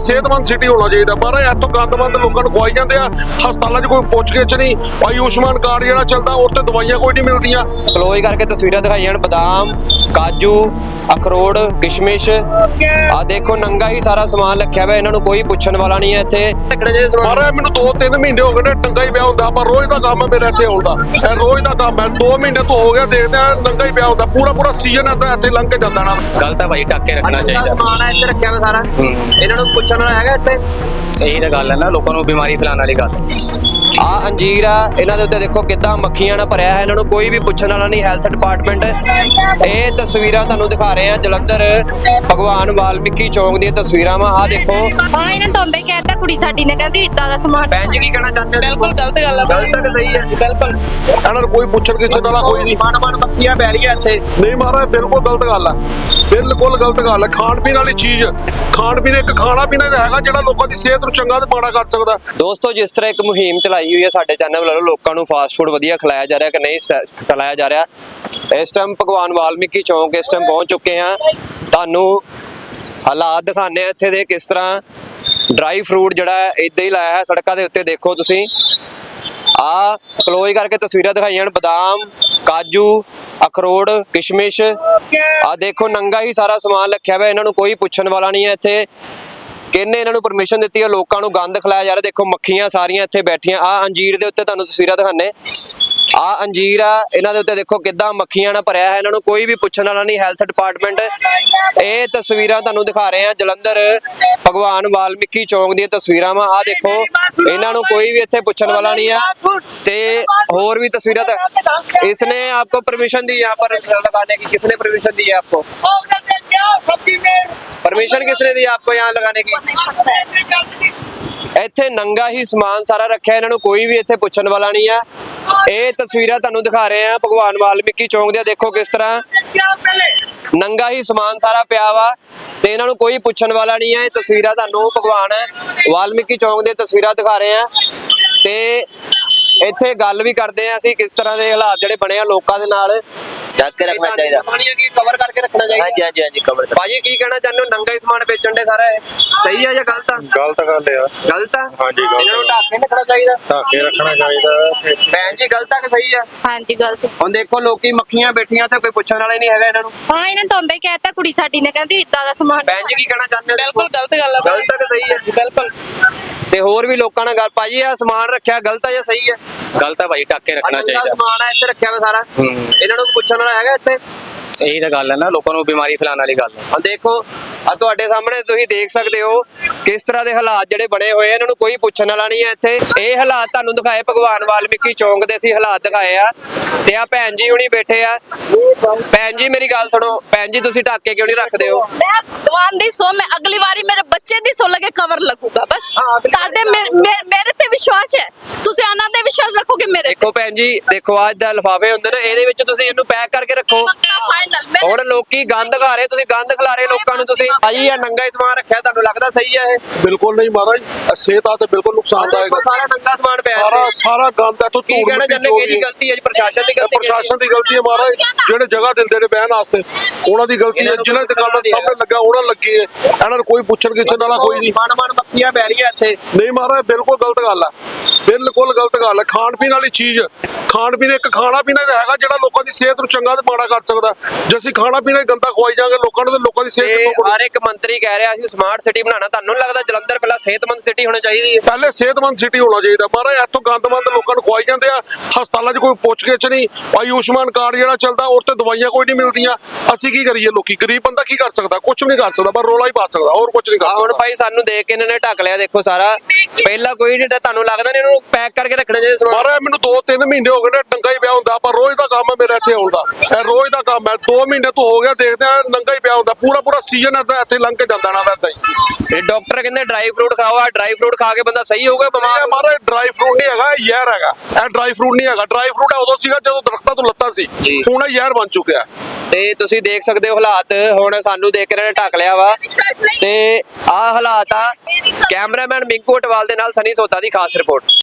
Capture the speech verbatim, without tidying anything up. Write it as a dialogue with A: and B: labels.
A: सेहतमंद सिटी होना चाहिए। महाराज इतों गंदमंद लोगों को खुआई जाते हैं, हस्पतालों कोई पुछ गिछ नहीं, आयुष्मान कार्ड जो चलता और तो दवाइयां कोई नहीं मिलदियां।
B: क्लोज करके तस्वीरें दिखाई बादाम काजू अखरोट किशमिश आ देखो नंगा ही सारा समान रखा हुआ, इन्होंने कोई पुछण वाला नहीं है। इत्थे
A: महाराज मैनू दो तीन महीने हो गए नंगा ही पिया हुंदा, पर रोज का काम है मेरा इत्थे आउण दा, ए रोज का काम है। दो महीने तो हो गया देखते हैं नंगा ही पिया हुंदा, पूरा पूरा सीजन है इत्थे लंघ के जांदा ना।
C: गल तां भाई ढक के रखना चाहिए।
B: समान है इत्थे रखा हुआ सारा, इन्होंने पुछण वाला हैगा इत्थे?
C: यही तो गल है ना, लोगों को बीमारी फैलाने वाली गल।
B: आ अंजीर आ, इन्हां दे उत्ते देखो किद्दां मक्खियां नाल भरिया है, इन्होंने कोई भी पुछण वाला नहीं। हैल्थ डिपार्टमेंट ये तस्वीरां तुहानूं दिखा रहे हैं जलंधर भगवान वाल्मीकि चौक दी तस्वीरां वा। आ देखो
D: हां इन्हां तो हुंदा ही कहता कुड़ी साडी ने कहदी इदां दा समान।
B: भैन जी की कहना चाहते हो?
D: बिल्कुल गलत गल है।
B: गलत है कि सही है?
D: बिल्कुल
A: इन्हां कोई पुछण गिछ वाला कोई नहीं।
B: मन मन मक्खियां पै रही इत्थे
A: नहीं महाराज बिल्कुल गलत गल है, बिल्कुल गलत गल है। खाण पीण वाली चीज, खाण पीण एक खाना पीना हैगा जिहड़ा लोकां दी सेहत नूं चंगा ते माड़ा कर सकदा।
B: दोस्तों जिस तरह एक मुहिम चलाई हुई है साडे चैनल वालों, लोगों को फास्ट फूड वधिया खिलाया जा रहा है कि नहीं खिलाया जा रहा। इस टाइम भगवान वाल्मीकि चौक इस टाइम पहुंच चुके हैं, तुहानूं हालात दिखाने इत्थे दे किस तरह ड्राई फ्रूट जिहड़ा इदां ही लाया है सड़कों के उत्ते। देखो तुसीं आ क्लोज करके तस्वीरें दिखाई बादाम काजू अखरोट किशमिश आ देखो नंगा ही सारा समान रखा हुआ, इन्होंने कोई पुछण वाला नहीं है। इत्थे किन्ने इन्होंने परमिशन दी है, लोगों को गंद खिलाया जा रहा। देखो मक्खियां सारियां इत्थे बैठियां। आ अंजीर दे उत्ते तुहानूं तस्वीरां दिखाने, आ अंजीर आ, इन्हां दे उत्ते देखो किद्दां मक्खियां नाल भरिया है, इन्होंने कोई भी पुछण वाला नहीं। हैल्थ डिपार्टमेंट ये तस्वीरां तुहानूं दिखा रहे हैं जलंधर भगवान वाल्मीकि चौक दी तस्वीरां वा। आ देखो इन्होंने कोई भी इत्थे पुछण वाला नहीं है। ते होर भी तस्वीरां त इसने आपको परमिशन दी यहाँ पर लगाने की? किसने परमिशन दी है आपको? परमिशन किसने दी आपको यहाँ लगाने की? इत्थे नंगा ही समान सारा रखा है, इन्होंने कोई भी इत्थे पुछण वाला नहीं है। ये तस्वीरां तुहानूं दिखा रहे हैं भगवान वाल्मीकि चौक दी। देखो किस तरह नंगा ही समान सारा पिया वा ते इन्होंने कोई पुछण वाला नहीं है। तस्वीरां तुहानूं भगवान वाल्मीकि चौक दी तस्वीरां दिखा रहे हैं ते इत्थे गल भी करते हैं असीं किस तरह के हालात जिहड़े बने आ लोकां दे नाल।
C: ढक के रखना चाहिए,
B: कवर करके रखना चाहिए।
C: हाँ जी हाँ जी हाँ जी कवर।
B: भाजी की कहना चाहते हो? नंगा ही समान बेचण दे सारा सही है या गलत है?
A: गलत गल है,
B: गलत है।
A: हाँ जी गलत।
B: इन्होंने ढक के रखना चाहिए,
A: ढक के रखना चाहिए।
B: भैन जी गलत है कि सही है?
D: हां जी गलत।
B: ਹੁਣ ਦੇਖੋ ਲੋਕੀ ਮੱਖੀਆਂ ਬੈਠੀਆਂ ਤੇ ਕੋਈ ਪੁੱਛਣ ਵਾਲਾ ਹੀ ਨਹੀਂ ਹੈਗਾ ਇਹਨਾਂ ਨੂੰ।
D: हां इन्हां तो हुंदा ही कहता कुड़ी साडी ने कहदी इदां दा समान।
B: ਭੈਣ ਜੀ ਕੀ ਕਹਿਣਾ ਚਾਹੁੰਦੇ ਹੋ?
D: बिल्कुल गलत गल है।
B: ਗਲਤ ਹੈ ਕਿ ਸਹੀ ਹੈ?
D: बिल्कुल
B: ਤੇ ਹੋਰ ਵੀ ਲੋਕਾਂ ਨਾਲ ਗੱਲ ਭਾਜੀ ਆ ਸਮਾਨ ਰੱਖਿਆ ਗਲਤ ਹੈ ਜਾਂ ਸਹੀ ਹੈ?
C: गल तां भाई ढक के रखना
B: ਅੰਦਰ
C: चाहिए।
B: ਸਮਾਨ ਆ ਇੱਥੇ ਰੱਖਿਆ ਹੋਇਆ ਸਾਰਾ, ਇਹਨਾਂ ਨੂੰ ਪੁੱਛਣ ਵਾਲਾ ਹੈਗਾ ਇੱਥੇ?
C: यही तो गल है ना, लोगों को बीमारी फैलाने वाली गल।
B: ਆ ਦੇਖੋ ਆ ਤੁਹਾਡੇ ਸਾਹਮਣੇ ਤੁਸੀਂ ਦੇਖ ਸਕਦੇ ਹੋ ਕਿਸ ਤਰ੍ਹਾਂ ਦੇ ਹਾਲਾਤ ਜਿਹੜੇ ਬਣੇ ਹੋਏ ਆ, ਇਹਨਾਂ ਨੂੰ ਕੋਈ ਪੁੱਛਣ ਵਾਲਾ ਨਹੀਂ ਹੈ ਇੱਥੇ। ਇਹ ਹਾਲਾਤ ਤੁਹਾਨੂੰ ਦਿਖਾਏ ਭਗਵਾਨ ਵਾਲਮੀਕੀ ਚੌਂਕ ਦੇ ਅਸੀਂ ਹਾਲਾਤ ਦਿਖਾਏ ਆ ਤੇ ਆ ਭੈਣ ਜੀ ਹੁਣੀ ਬੈਠੇ ਆ। ਭੈਣ ਜੀ ਮੇਰੀ ਗੱਲ ਸੁਣੋ, ਭੈਣ ਜੀ ਤੁਸੀਂ ਢੱਕ ਕੇ ਕਿਉਂ ਨਹੀਂ ਰੱਖਦੇ ਹੋ?
E: मैं दवान दी सो मैं अगली बारी मेरे बच्चे दी सो लगे कवर लगूगा बस।
B: हाँ, अगली
E: ताडे मेरे मेरे ते विश्वास है, तुसी आना ते विश्वास रखोगे मेरे
B: ਦੇਖੋ ਭੈਣ ਜੀ ਦੇਖੋ ਅੱਜ ਦਾ ਲਿਫਾਫੇ ਹੁੰਦੇ ਨੇ, ਇਹਦੇ ਵਿੱਚ ਤੁਸੀਂ ਇਹਨੂੰ ਪੈਕ ਕਰਕੇ ਰੱਖੋ।
E: फाइनल मैं
B: ਹੁਣ ਲੋਕੀ ਗੰਦ ਖਾ ਰਹੇ, ਤੁਸੀਂ ਗੰਦ ਖਿਲਾ ਰਹੇ ਲੋਕਾਂ ਨੂੰ। ਤੁਸੀਂ ਭਾਜੀ ਆ ਨੰਗਾ ਹੀ ਸਮਾਨ ਰੱਖਿਆ, ਤੁਹਾਨੂੰ ਲੱਗਦਾ ਸਹੀ ਹੈ ਇਹ?
A: बिल्कुल नहीं महाराज, सेहत आ बिल्कुल नुकसानदायक है।
B: ਸਾਰਾ ਨੰਗਾ ਸਮਾਨ ਪਿਆ
A: सारा सारा गंद है तो
B: ਕੀ ਕਹਿਣਾ ਚਾਹੁੰਦੇ? ਕਿਹਦੀ ਗਲਤੀ ਹੈ ਜੀ? ਪ੍ਰਸ਼ਾਸਨ ਦੀ ਗਲਤੀ?
A: प्रशासन की गलती है महाराज, ਜਿਹੜੇ ਜਗ੍ਹਾ ਦਿੰਦੇ ਨੇ ਬਹਿਣ ਵਾਸਤੇ ਉਹਨਾਂ ਦੀ ਗਲਤੀ ਹੈ। ਜਿਹਨਾਂ ਦੁਕਾਨਾਂ ਦੇ ਸਾਹਮਣੇ ਲੱਗਾ ਉਹਨਾਂ ਲੱਗੀ ਹੈ, ਇਹਨਾਂ ਨੂੰ ਕੋਈ ਪੁੱਛਣ ਗਿੱਛਣ ਵਾਲਾ ਕੋਈ ਨਹੀਂ।
B: ਮਨ ਮਨ ਮੱਖੀਆਂ ਪੈ ਰਹੀਆਂ ਇੱਥੇ।
A: ਨਹੀਂ महाराज ਬਿਲਕੁਲ ਗਲਤ ਗੱਲ ਹੈ, ਬਿਲਕੁਲ ਗਲਤ ਗੱਲ ਹੈ। ਖਾਣ ਪੀਣ ਵਾਲੀ ਚੀਜ਼, ਖਾਣ ਪੀਣ ਇੱਕ ਖਾਣਾ ਪੀਣਾ ਤਾਂ ਹੈਗਾ ਜਿਹੜਾ ਲੋਕਾਂ ਦੀ ਸਿਹਤ ਨੂੰ ਚੰਗਾ ਤੇ ਮਾੜਾ ਕਰ ਸਕਦਾ। ਜੇ ਅਸੀਂ ਖਾਣਾ ਪੀਣਾ ਹੀ ਗੰਦਾ ਖਵਾਈ ਜਾਵਾਂਗੇ ਲੋਕਾਂ ਨੂੰ, ਤੇ ਲੋਕਾਂ ਦੀ ਸਿਹਤ
B: ਤੇ
A: ਕਿੱਥੋਂ
B: ਹਰ ਇੱਕ ਮੰਤਰੀ ਕਹਿ ਰਿਹਾ ਅਸੀਂ ਸਮਾਰਟ ਸਿਟੀ ਬਣਾਉਣਾ। ਤੁਹਾਨੂੰ ਲੱਗਦਾ ਜਲੰਧਰ ਪਹਿਲਾਂ ਸਿਹਤਮੰਦ ਸਿਟੀ ਹੋਣੀ ਚਾਹੀਦੀ ਹੈ?
A: ਪਹਿਲੇ ਸਿਹਤਮੰਦ ਸਿਟੀ ਹੋਣਾ ਚਾਹੀਦਾ महाराज। ਇੱਥੋਂ ਗੰਦਮੰਦ ਲੋਕਾਂ ਨੂੰ ਖਵਾਈ ਜਾਂਦੇ ਆ, ਹਸਪਤਾਲਾਂ 'ਚ ਕੋਈ ਪੁੱਛ ਗਿੱਛ ਨਹੀਂ, ਆਯੁਸ਼ਮਾਨ ਕਾਰਡ ਜਿਹੜਾ ਚੱਲਦਾ ਉਹ ਤੇ ਦਵਾਈਆਂ ਕੋਈ ਨਹੀਂ ਮਿਲਦੀਆਂ। ਅਸੀਂ ਕੀ ਕਰੀਏ? ਲੋਕੀ ਗਰੀਬ ਬੰਦਾ ਕੀ ਕਰ ਸਕਦਾ? ਕੁਝ ਵੀ ਨਹੀਂ ਕਰ ਸਕਦਾ, ਪਰ ਰੋਲਾ ਹੀ ਪਾ ਸਕਦਾ, ਹੋਰ ਕੁਝ ਨਹੀਂ ਕਰ
B: ਆ ਹੁਣ
A: ਸਕਦਾ।
B: ਭਾਈ ਸਾਨੂੰ ਦੇਖ ਕੇ ਇਹਨਾਂ ਨੇ ਢੱਕ ਲਿਆ, ਦੇਖੋ ਸਾਰਾ ਪਹਿਲਾਂ ਕੋਈ ਨਹੀਂ। ਤੁਹਾਨੂੰ ਲੱਗਦਾ ਨਹੀਂ ਇਹਨੂੰ ਪੈਕ ਕਰਕੇ ਰੱਖਣਾ ਚਾਹੀਦਾ ਸਮਾਨ?
A: महाराज मैनू दो तीन महीने हो गए नंगा ही पिया हुंदा, पर रोज का काम है मेरा इत्थे आउण दा, ए रोज का काम है। दो महीने तो हो गया देखते हैं नंगा ही पिया हुंदा, पूरा पूरा सीजन है इत्थे लंघ के जांदा ना इदां ही।
B: ਇਹ ਡਾਕਟਰ ਕਹਿੰਦੇ ਡਰਾਈ ਫਰੂਟ ਖਾਓ, ਆ ਡਰਾਈ ਫਰੂਟ ਖਾ ਕੇ ਬੰਦਾ ਸਹੀ ਹੋਊਗਾ ਬਿਮਾਰ?
A: ਇਹ महाराज ड्राई फ्रूट नहीं हैगा, यहर हैगा। ਇਹ ड्राई फ्रूट नहीं हैगा, ड्राई फ्रूट उदों सीगा ਜਦੋਂ ਦਰਖਤਾਂ ਤੋਂ ਲੱਤਾਂ ਸੀ, ਹੁਣ ਇਹ ਯਹਿਰ ਬਣ ਚੁੱਕਿਆ।
B: ਤੇ ਤੁਸੀਂ ਦੇਖ ਸਕਦੇ ਹੋ ਹਾਲਾਤ, ਹੁਣ ਸਾਨੂੰ ਦੇਖ ਕੇ ਇਹਨਾਂ ਨੇ ਢੱਕ ਲਿਆ ਵਾ ਤੇ ਆਹ ਹਾਲਾਤ ਆ। ਕੈਮਰਾਮੈਨ ਮਿੰਕੂ ਅਟਵਾਲ ਦੇ ਨਾਲ ਸਨੀ ਸੋਤਾ ਦੀ ਖਾਸ ਰਿਪੋਰਟ।